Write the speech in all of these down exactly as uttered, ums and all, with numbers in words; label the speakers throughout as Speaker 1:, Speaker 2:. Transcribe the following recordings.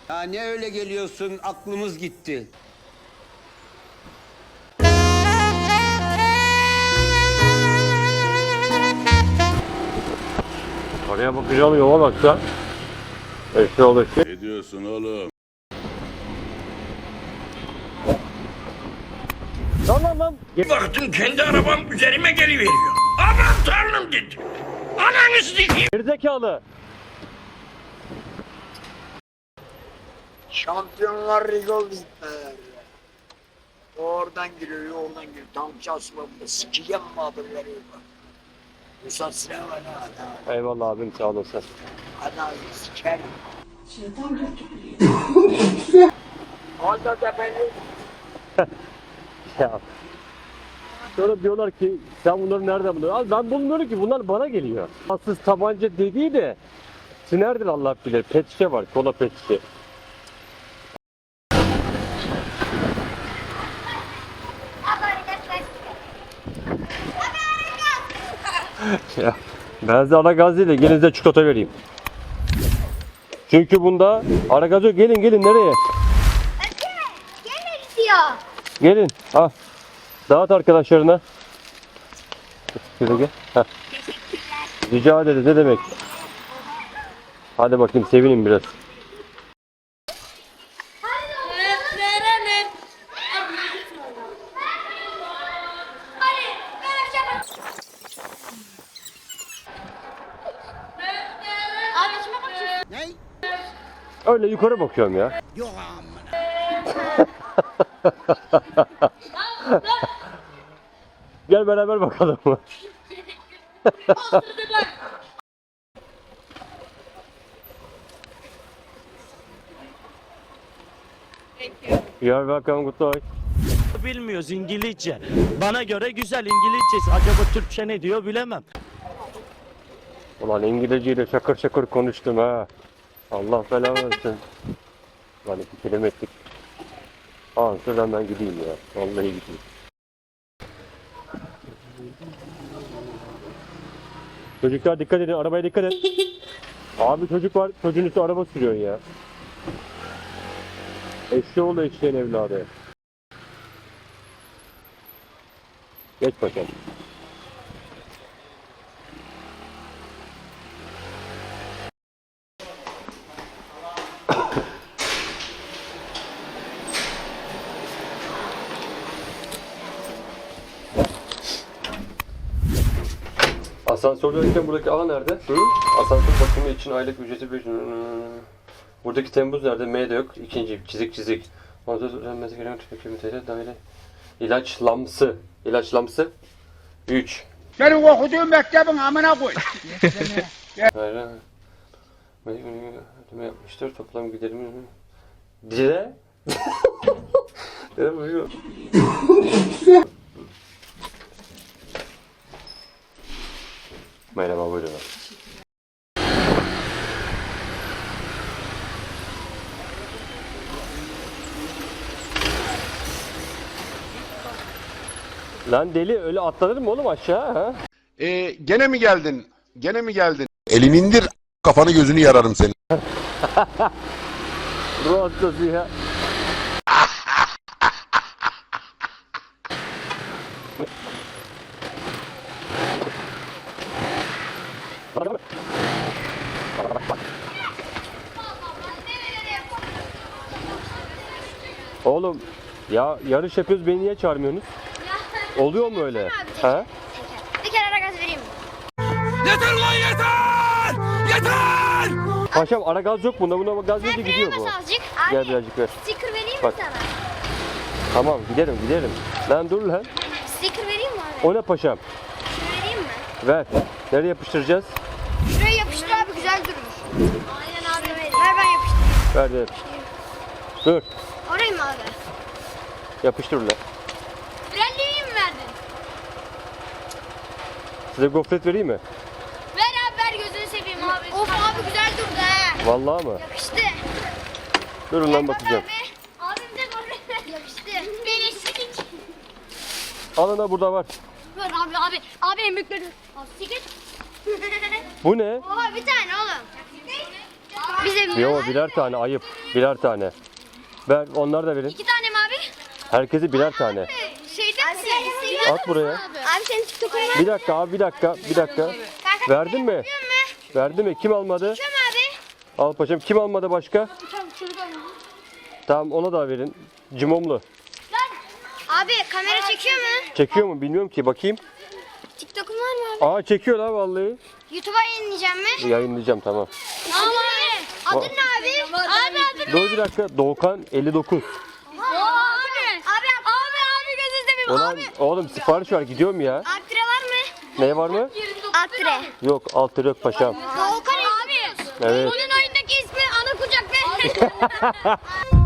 Speaker 1: Ya ne öyle geliyorsun, aklımız gitti.
Speaker 2: Oraya bakacağım, yola baksa. Eşli olur ki.
Speaker 3: Ne diyorsun oğlum?
Speaker 2: Tamam lan.
Speaker 4: Baktım kendi arabam üzerime geliveriyor. Aman tanrım dedim. Ananı sikeyim.
Speaker 2: Gerizekalı.
Speaker 5: Şampiyonlar Ligi oldu. Oradan giriyor, oradan giriyor. Tam çalışmamda sikeceğim mi haberleri yok. Musat Sinan var ha.
Speaker 2: Eyvallah abim, sağ olasın.
Speaker 5: Ana sikerim. Şeytan götürüyor. Onda da beni.
Speaker 2: Ya. Sonra diyorlar ki sen bunları nereden buluyorsun? Abi ben bulmuyorum ki, bunlar bana geliyor. Aslında tabanca dediği de sinerdir Allah bilir. Pet şişe var, kola pet şişe. Ya, ben size ara gaz değil de gelin size çikolata vereyim. Çünkü bunda ara gaz yok. Gelin gelin, nereye?
Speaker 6: Gelmek istiyor.
Speaker 2: Gelin. Al. Dağıt arkadaşlarına. Şöyle gel. Heh. Rica ederiz, ne demek. Hadi bakayım, sevinin biraz.
Speaker 1: Ne?
Speaker 2: Öyle yukarı bakıyorum ya.
Speaker 1: Yok amına.
Speaker 2: Gel beraber bakalım. You're welcome, good luck.
Speaker 7: Bilmiyoruz İngilizce. Bana göre güzel İngilizcesi. Acaba Türkçe ne diyor bilemem.
Speaker 2: Ulan İngilizceyle şakır şakır konuştum ha. Allah belanı versin. Lan iki kelime ettik. Aa şuradan ben gideyim ya. Vallahi gideyim. Çocuklar dikkat edin, arabaya dikkat et. Abi çocuk var, çocuğun üstü araba sürüyor ya. Eşeğoğlu eşeğin evladı. Geç bakalım. Asansördeyken buradaki A nerede? Hı? Asansör bakımı için aylık ücreti bir... Buradaki Temmuz nerede? M de yok. İkinci çizik çizik. Ondan sonra öğrenmesi gereken tüketici T L daire. İlaçlamsı. İlaçlamsı. üç.
Speaker 8: Senin okuduğun mektebin amına koy.
Speaker 2: Hayır. Ödeme yapmıştır. Toplam giderimi... Dire? Ne buyuruyor? Merhaba, buyurun. Lan deli, öyle atlanır mı oğlum aşağı ha?
Speaker 3: Ee, gene mi geldin? Gene mi geldin?
Speaker 9: Elini indir, kafanı gözünü yararım senin.
Speaker 2: Ruh hastası ya. Oğlum ya, yarış yapıyoruz, beni niye çağırmıyorsunuz? Oluyor mu öyle? Ha?
Speaker 6: Bir kere ara gaz vereyim mi?
Speaker 4: Yeter lan yeter! Yeter!
Speaker 2: Paşam ara gaz yok bunda, buna gaz verince gidiyor bu.
Speaker 6: Bas azıcık.
Speaker 2: Gel
Speaker 6: Abi,
Speaker 2: birazcık ver.
Speaker 6: sticker vereyim
Speaker 2: Bak.
Speaker 6: mi sana?
Speaker 2: Tamam, giderim giderim. Lan dur lan.
Speaker 6: Sticker vereyim mi abi?
Speaker 2: O ne paşam?
Speaker 6: Şunu vereyim mi?
Speaker 2: Ver. Nereye yapıştıracağız?
Speaker 6: Şuraya yapıştır abi, güzel durmuş. Aynen abi. Ver ben yapıştırayım.
Speaker 2: Ver ver. Dur.
Speaker 6: Orayı mı abi?
Speaker 2: Yapıştır lan.
Speaker 6: Frenliği mi verdin?
Speaker 2: Size gofret vereyim mi?
Speaker 6: Ver abi, ver, gözünü seveyim abi. Of abi, güzel durdu he.
Speaker 2: Vallahi mı?
Speaker 6: Yakıştı.
Speaker 2: Durun lan bakacağım.
Speaker 6: Abi. Abim de gofret. Yakıştı. Beni silik.
Speaker 2: Alın da burada var.
Speaker 6: Ver abi abi. Abi en büyükleri. Abi sikir.
Speaker 2: Bu ne?
Speaker 6: Oha, bir tane oğlum. Bize
Speaker 2: Yo birer tane ayıp. Birer tane. Ben onlar da verin.
Speaker 6: İki tane mi abi?
Speaker 2: Herkese birer tane.
Speaker 6: Şeyden misin?
Speaker 2: At buraya.
Speaker 6: Abi senin TikTok'un var.
Speaker 2: Bir dakika abi bir dakika bir dakika. Verdin mi? Verdin mi? Kim almadı?
Speaker 6: Tamam abi.
Speaker 2: Al paşam. Kim almadı başka? Tamam ona da verin. Cimomlu.
Speaker 6: Abi kamera çekiyor mu?
Speaker 2: Çekiyor mu? Bilmiyorum ki. Bakayım.
Speaker 6: TikTok'un var mı abi?
Speaker 2: Aa çekiyor lan vallahi.
Speaker 6: YouTube'a yayınlayacağım mı?
Speaker 2: Yayınlayacağım tamam.
Speaker 6: Tamam abi. Adın ne abi? Abi adın
Speaker 2: Dur bir dakika. Doğukan elli dokuz.
Speaker 6: ne? Abi. Abi abi abi gözü seveyim.
Speaker 2: Ulan
Speaker 6: Abi.
Speaker 2: oğlum sipariş var. Gidiyorum ya.
Speaker 6: Aktre var mı?
Speaker 2: Ne var mı?
Speaker 6: Aktre.
Speaker 2: Yok alt lira yok paşam.
Speaker 6: Volkan abi.
Speaker 2: Evet.
Speaker 6: Onun oyundaki ismi ana kucak be.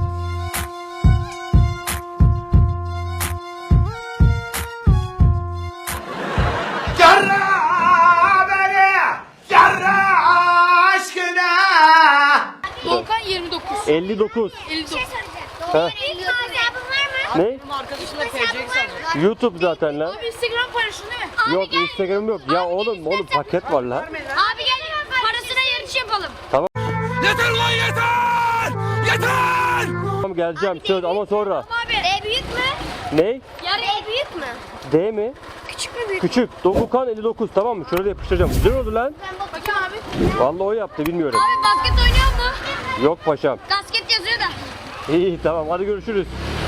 Speaker 10: Volkan yirmi dokuz.
Speaker 2: elli dokuz.
Speaker 6: Bir şey soracağım.
Speaker 2: Ha.
Speaker 6: İlk hesabın var mı?
Speaker 2: Ne? YouTube zaten lan.
Speaker 10: Abi Instagram paylaşın değil mi?
Speaker 2: Yok Instagram yok. Ya oğlum oğlum paket var lan.
Speaker 6: Abi gel parasına yarış yapalım.
Speaker 4: Yeter lan yeter! Yeter!
Speaker 2: Tamam geleceğim söz ama sonra.
Speaker 6: Abi. E büyük mü?
Speaker 2: Ne?
Speaker 6: Yarı E büyük mü?
Speaker 2: D mi?
Speaker 6: Küçük mü büyük?
Speaker 2: Küçük. Doğukan elli dokuz tamam mı? Şöyle de yapıştıracağım. Güzel oldu lan.
Speaker 6: Bakayım abi.
Speaker 2: Vallahi o yaptı bilmiyorum.
Speaker 6: Abi basket oynuyor mu?
Speaker 2: Yok paşam.
Speaker 6: Basket yazıyor da.
Speaker 2: İyi tamam hadi görüşürüz.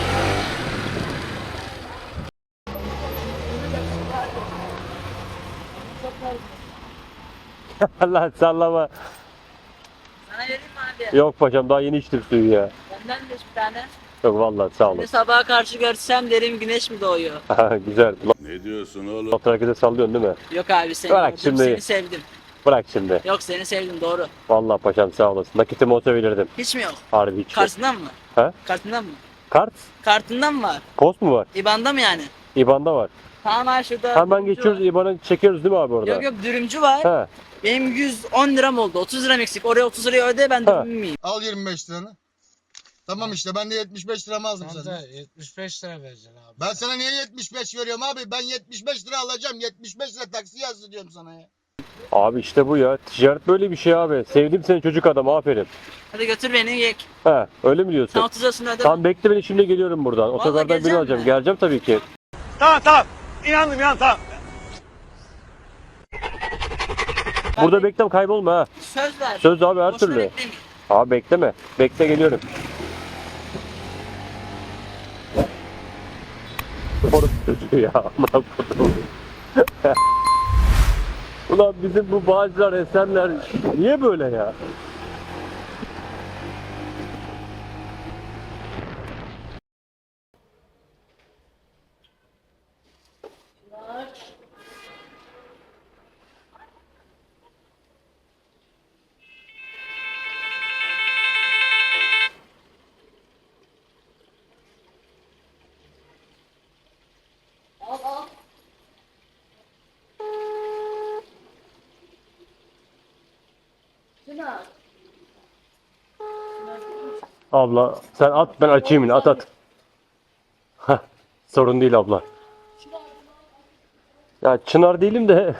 Speaker 2: Allah sallama.
Speaker 10: Sana vereyim mi abi?
Speaker 2: Yok paşam daha yeni içtim suyu ya.
Speaker 10: Benden de bir tane.
Speaker 2: Yok vallahi sağ olun.
Speaker 10: Seni sabaha karşı görsem derim güneş mi doğuyor?
Speaker 2: Güzel.
Speaker 3: Ne diyorsun oğlum?
Speaker 2: Laf herkese sallıyorsun değil mi?
Speaker 10: Yok abi seni
Speaker 2: Bırak
Speaker 10: gördüm,
Speaker 2: şimdi.
Speaker 10: seni sevdim.
Speaker 2: Bırak şimdi.
Speaker 10: Yok seni sevdim doğru.
Speaker 2: Vallahi paşam sağ olasın. Nakitim olsa verirdim.
Speaker 10: Hiç mi yok?
Speaker 2: Harbi hiç yok.
Speaker 10: Kartından mı?
Speaker 2: Ha?
Speaker 10: Kartından mı?
Speaker 2: Kart?
Speaker 10: Kartından mı var?
Speaker 2: Post mu var?
Speaker 10: İban'da mı yani?
Speaker 2: İban'da var.
Speaker 10: Tamam abi şurada.
Speaker 2: Hemen
Speaker 10: dürümcü
Speaker 2: geçiyoruz
Speaker 10: var.
Speaker 2: İban'ı çekiyoruz değil mi abi orada?
Speaker 10: Yok yok dürümcü var.
Speaker 2: He.
Speaker 10: Benim yüz on liram oldu. otuz liram eksik. Oraya otuz lirayı öde ben
Speaker 2: Ha.
Speaker 10: dürüm yiyeyim.
Speaker 9: Al yirmi beş liranı. Tamam işte ben de yetmiş beş liramı aldım
Speaker 8: Sen
Speaker 9: senden.
Speaker 8: de yetmiş beş lira vereceksin abi.
Speaker 9: Ben sana niye yetmiş beş veriyorum abi? Ben yetmiş beş lira alacağım. yetmiş beş lira taksi yazdı diyorum sana ya.
Speaker 2: Abi işte bu ya. Ticaret böyle bir şey abi. Sevdim seni çocuk adam aferin.
Speaker 10: Hadi götür beni yek.
Speaker 2: He öyle mi
Speaker 10: Sen
Speaker 2: diyorsun?
Speaker 10: otuz lirasını öde.
Speaker 2: Tamam bekle beni şimdi geliyorum buradan. Otogardan birini
Speaker 10: gelecek
Speaker 2: alacağım.
Speaker 10: mi?
Speaker 2: Geleceğim tabii ki.
Speaker 4: Tamam tamam. İnandım ya tamam.
Speaker 2: Burada beklem kaybolma ha.
Speaker 10: Söz ver.
Speaker 2: Söz abi her
Speaker 10: Boşuna
Speaker 2: türlü.
Speaker 10: beklemeyin.
Speaker 2: Abi bekleme. Bekle geliyorum. Orası çocuğu ya. Amına kodum. Ulan bizim bu Bağcılar, Esenler niye böyle ya? Abla sen at ben açayım yine at at. Heh, sorun değil abla. Ya Çınar değilim de.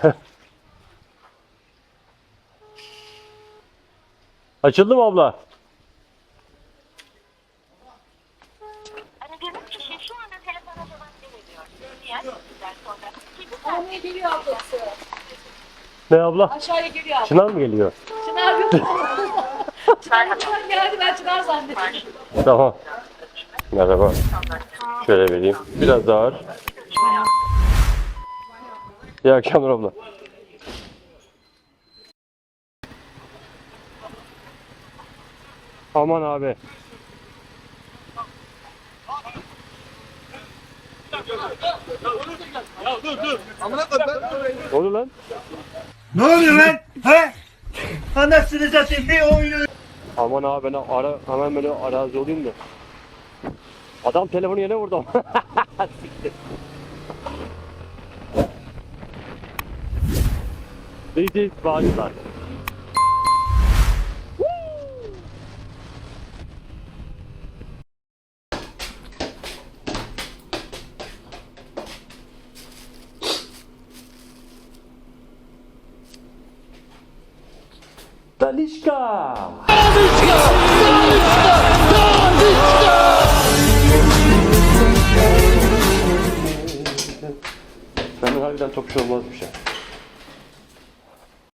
Speaker 2: Açıldı mı abla?
Speaker 11: Aradığınız kişi şu anda telefona cevap veremiyor. Diğer sözler sonra.
Speaker 10: Aşağıya geliyor ablası.
Speaker 2: Ne abla?
Speaker 10: Aşağıya geliyor abla.
Speaker 2: Çınar mı geliyor?
Speaker 10: Çınar yok. Çınar geldi ben Çınar zannettim.
Speaker 2: Tamam. Merhaba. Şöyle vereyim. Biraz daha ağır. İyi akşamlar abla. Aman abi. Ne oluyor lan?
Speaker 4: Ne oluyor lan? He? Anasını satayım bir oyunu.
Speaker 2: Aman abi ben ara, hemen böyle arazi olayım da. Adam telefonu yine vurdu. Siktir. This is Bağcılar. Ben Talişka. Benden harbiden topçu olmazmış ya.